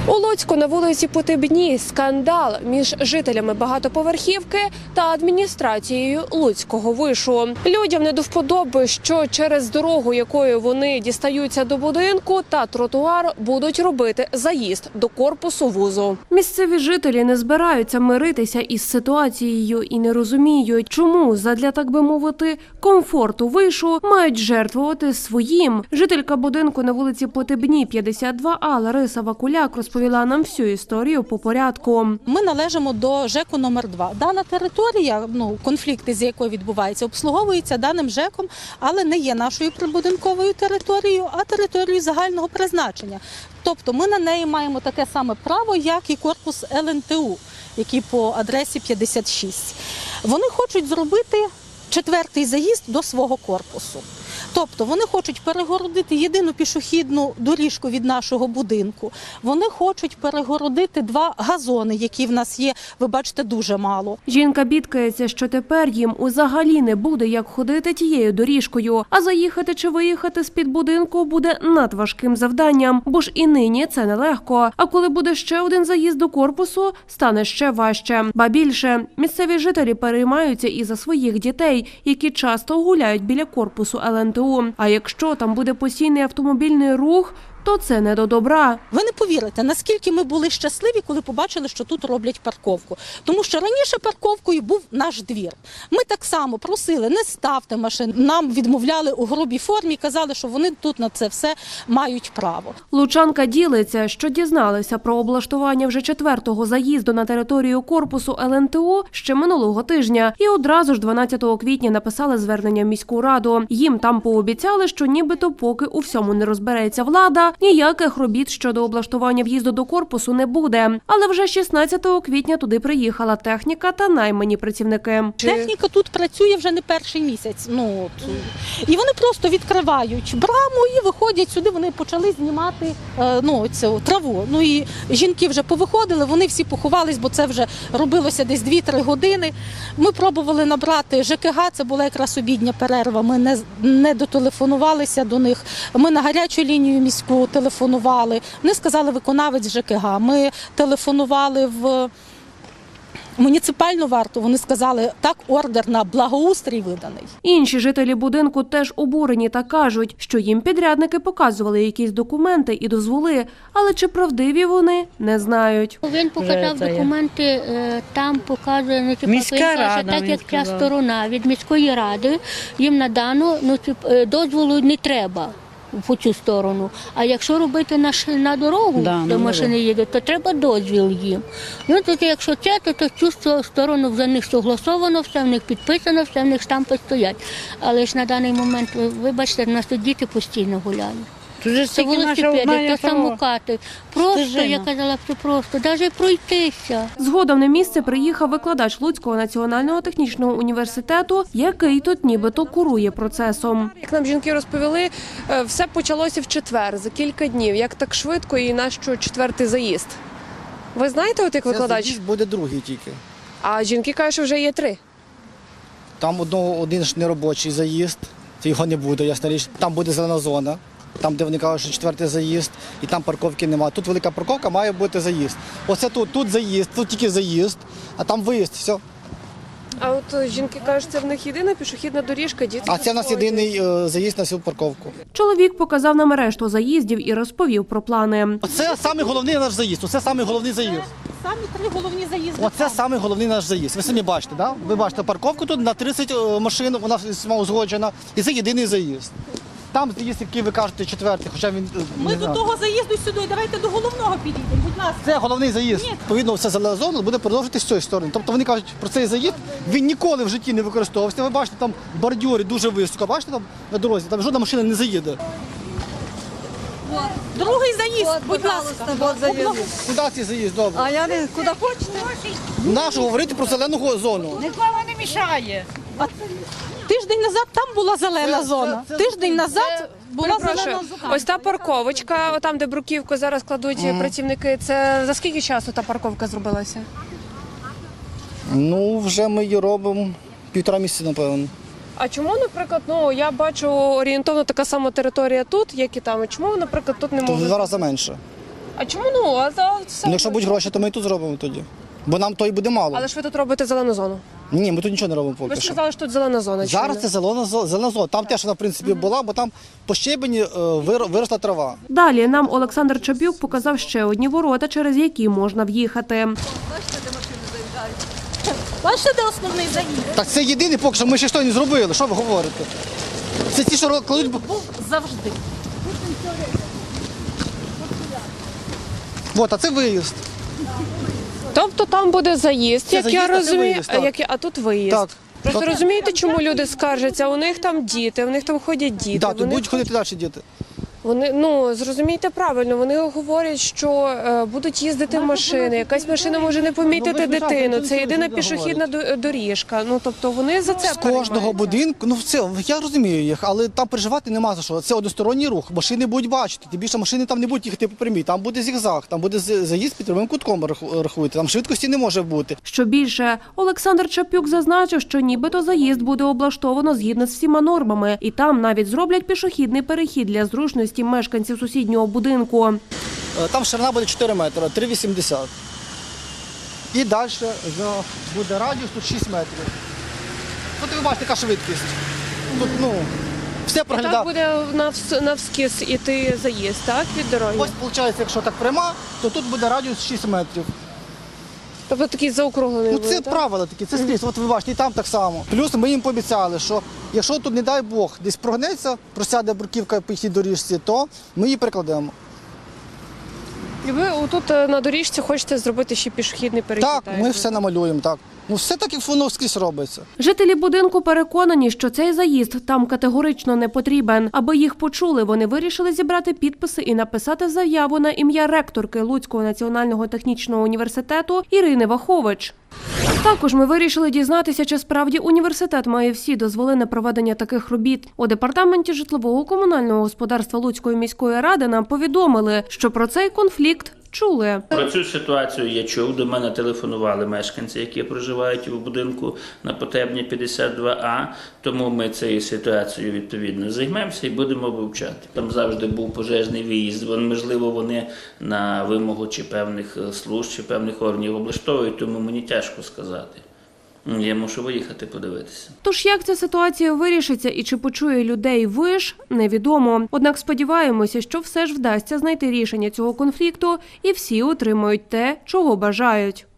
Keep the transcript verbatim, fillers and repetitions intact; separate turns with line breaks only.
У Луцьку на вулиці Потебні скандал між жителями багатоповерхівки та адміністрацією Луцького вишу. Людям не до вподоби, що через дорогу, якою вони дістаються до будинку, та тротуар будуть робити заїзд до корпусу вузу. Місцеві жителі не збираються миритися із ситуацією і не розуміють, чому задля, так би мовити, комфорту вишу мають жертвувати своїм. Жителька будинку на вулиці Потебні, п'ятдесят два А Лариса Вакуляк розповіла нам всю історію по порядку.
Ми належимо до ЖЕКу номер два. Дана територія, ну, конфлікти з якою відбуваються, обслуговується даним ЖЕКом, але не є нашою прибудинковою територією, а територією загального призначення. Тобто ми на неї маємо таке саме право, як і корпус Л Н Т У, який по адресі п'ятдесят шість. Вони хочуть зробити четвертий заїзд до свого корпусу. Тобто вони хочуть перегородити єдину пішохідну доріжку від нашого будинку. Вони хочуть перегородити два газони, які в нас є, ви бачите, дуже мало.
Жінка бідкається, що тепер їм взагалі не буде як ходити тією доріжкою, а заїхати чи виїхати з-під будинку буде надважким завданням, бо ж і нині це нелегко. А коли буде ще один заїзд до корпусу, стане ще важче. Ба більше, місцеві жителі переймаються і за своїх дітей, які часто гуляють біля корпусу Л Н Т У. А якщо там буде постійний автомобільний рух, то це не до добра.
Ви не повірите, наскільки ми були щасливі, коли побачили, що тут роблять парковку. Тому що раніше парковкою був наш двір. Ми так само просили, не ставте машин. Нам відмовляли у грубій формі, казали, що вони тут на це все мають право.
Лучанка ділиться, що дізналися про облаштування вже четвертого заїзду на територію корпусу Л Н Т У ще минулого тижня. І одразу ж дванадцятого квітня написали звернення в міську раду. Їм там пообіцяли, що нібито поки у всьому не розбереться влада, ніяких робіт щодо облаштування в'їзду до корпусу не буде. Але вже шістнадцятого квітня туди приїхала техніка та наймані працівники.
Техніка тут працює вже не перший місяць. Ну, от. І вони просто відкривають браму і виходять сюди, вони почали знімати е, ну, цю траву. Ну і жінки вже повиходили, вони всі поховались, бо це вже робилося десь дві-три години. Ми пробували набрати Ж К Г, це була якраз обідня перерва, ми не, не дотелефонувалися до них. Ми на гарячу лінію міську телефонували. Вони сказали, виконавець Ж К Г. Ми телефонували в муніципальну варту, вони сказали, так, ордер на благоустрій виданий.
Інші жителі будинку теж обурені та кажуть, що їм підрядники показували якісь документи і дозволи, але чи правдиві вони, не знають.
Він показав документи, там показує, ну, типу, він каже, так як ця сторона від міської ради, їм надано, ну, типу, дозволу не треба по цю сторону. А якщо робити на, на дорогу, да, де машини їдуть, то треба дозвіл їм. Ну, то якщо це, то, то цю сторону за них согласовано, все в них підписано, все в них штампи стоять. Але ж на даний момент, ви бачите, в нас тут діти постійно гуляють. Це велосипеди, це самокати. Просто, я казала, це просто, навіть пройтися.
Згодом на місце приїхав викладач Луцького національного технічного університету, який тут нібито курує процесом. Як нам жінки розповіли, все почалося в четвер, за кілька днів. Як так швидко і на що четвертий заїзд? Ви знаєте, от як викладач?
Це заїзд буде другий тільки.
А жінки кажуть, що вже є три.
Там одного, один ж неробочий заїзд, його не буде, ясна річ. Там буде зелена зона. Там, де вони кажуть, що четвертий заїзд, і там парковки немає. Тут велика парковка, має бути заїзд. Оце тут, тут заїзд, тут тільки заїзд, а там виїзд, все.
А от жінки кажуть, це в них єдина пішохідна доріжка, діти.
А це в нас єдиний е, заїзд на всю парковку.
Чоловік показав нам решту заїздів і розповів про плани.
Оце саме головний наш заїзд, оце саме головний заїзд.
Самі три головні заїзди.
Оце саме головний наш заїзд. Ви самі бачите, да? Ви бачите парковку тут на тридцять машин, вона узгоджена, і це єдиний заїзд. Там заїзд, який ви кажете, четвертий, хоча він...
Ми до того заїзду сюди, давайте до головного підійдемо, будь ласка.
Це головний заїзд. Ні. Відповідно, вся зелена зона буде продовжити з цієї сторони. Тобто вони кажуть, про цей заїзд, він ніколи в житті не використовувався. Ви бачите, там бордюри дуже високо, бачите, там на дорозі, там жодна машина не заїде.
Другий заїзд, вот, будь ласка.
Вот заїзд. Куди цей заїзд, добре?
А я не, куди хочете?
Нашу говорити про зелену зону.
Нікому не мішає.
А тиждень назад там була зелена
це,
зона.
Це, це,
тиждень
це,
назад була зелена зона.
Ось та парковочка, там, де бруківку зараз кладуть mm. працівники, це за скільки часу та парковка зробилася?
Ну, вже ми її робимо півтора місяця, напевно.
А чому, наприклад, ну я бачу орієнтовно така сама територія тут, як і там. Чому, наприклад, тут не
То в
можуть?
два рази менше.
А чому ну? А за все
Ну, якщо будуть гроші, то ми і тут зробимо тоді. Бо нам то і буде мало.
Але ж ви тут робите зелену зону.
Ні, ми тут нічого не робимо
Ви
поки
ж
що.
сказали, що тут зелена зона.
Зараз
чинна.
це зелена, зо- зелена зона. Там теж вона, в принципі, була, бо там по щебені е, вир- виросла трава.
Далі нам Олександр Чапюк показав ще одні ворота, через які можна в'їхати.
Бачите, де основний заїзд?
Так це єдине, поки що ми ще що не зробили. Що ви говорите? Це ті, що кладуть. бо-
Був завжди.
От, а це виїзд.
Тобто там буде заїзд,
Це
як
заїзд,
я
а це
розумію,
виїзд,
а,
так.
як я- а тут виїзд.
Так.
Просто
Так.
розумієте, чому люди скаржаться? У них там діти, у них там ходять діти.
Так, тут
вони,
будуть ходити далі діти.
вони, ну, зрозумійте правильно, вони говорять, що е, будуть їздити машини, якась машина може не помітити
Ну, ви ж знаєте,
дитину,
це
це єдина
люди
пішохідна до- доріжка. Ну, тобто вони за це
З кожного
переймаються.
будинку, ну все, я розумію їх, але там переживати нема за що. Це односторонній рух, машини будуть бачити. Тим більше машини там не будуть їхати по прямій, там буде зігзаг, там буде з- заїзд під прямим кутком раху- рахуйте, там швидкості не може бути.
Що більше, Олександр Чапюк зазначив, що нібито заїзд буде облаштовано згідно з всіма нормами, і там навіть зроблять пішохідний перехід для зручності мешканців сусіднього будинку.
Е, Там ширина буде чотири метри, три вісімдесят. І далі буде радіус, тут шість метрів. Тут ви бачите, яка швидкість. Тут, ну, все
Так
проглядає.
буде навс- навскіз іти заїзд, так, від дороги?
Ось, виходить, якщо так пряма, то тут буде радіус шість метрів.
Тобто такий заокруглений
Ну
буде,
це
так?
правила такі, це скрізь. От ви бачите, і там так само. Плюс ми їм пообіцяли, що якщо тут, не дай Бог, десь прогнеться, просяде бруківка по цій доріжці, то ми її прикладемо.
І ви тут на доріжці хочете зробити ще пішохідний перехід?
Так, ми все намалюємо, так. Ну все так, як воно скрізь робиться.
Жителі будинку переконані, що цей заїзд там категорично не потрібен. Аби їх почули, вони вирішили зібрати підписи і написати заяву на ім'я ректорки Луцького національного технічного університету Ірини Вахович. Також ми вирішили дізнатися, чи справді університет має всі дозволи на проведення таких робіт. У департаменті житлово-комунального господарства Луцької міської ради нам повідомили, що про цей конфлікт чули.
Про цю ситуацію я чув. До мене телефонували мешканці, які проживають у будинку на Потебні п'ятдесят два А. Тому ми цією ситуацією відповідно займемося і будемо вивчати. Там завжди був пожежний виїзд. Вон, можливо, вони на вимогу чи певних служб, чи певних органів облаштовують, тому мені тяжко сказати. Я мушу виїхати подивитися.
Тож як ця ситуація вирішиться і чи почує людей виш, невідомо. Однак сподіваємося, що все ж вдасться знайти рішення цього конфлікту і всі отримають те, чого бажають.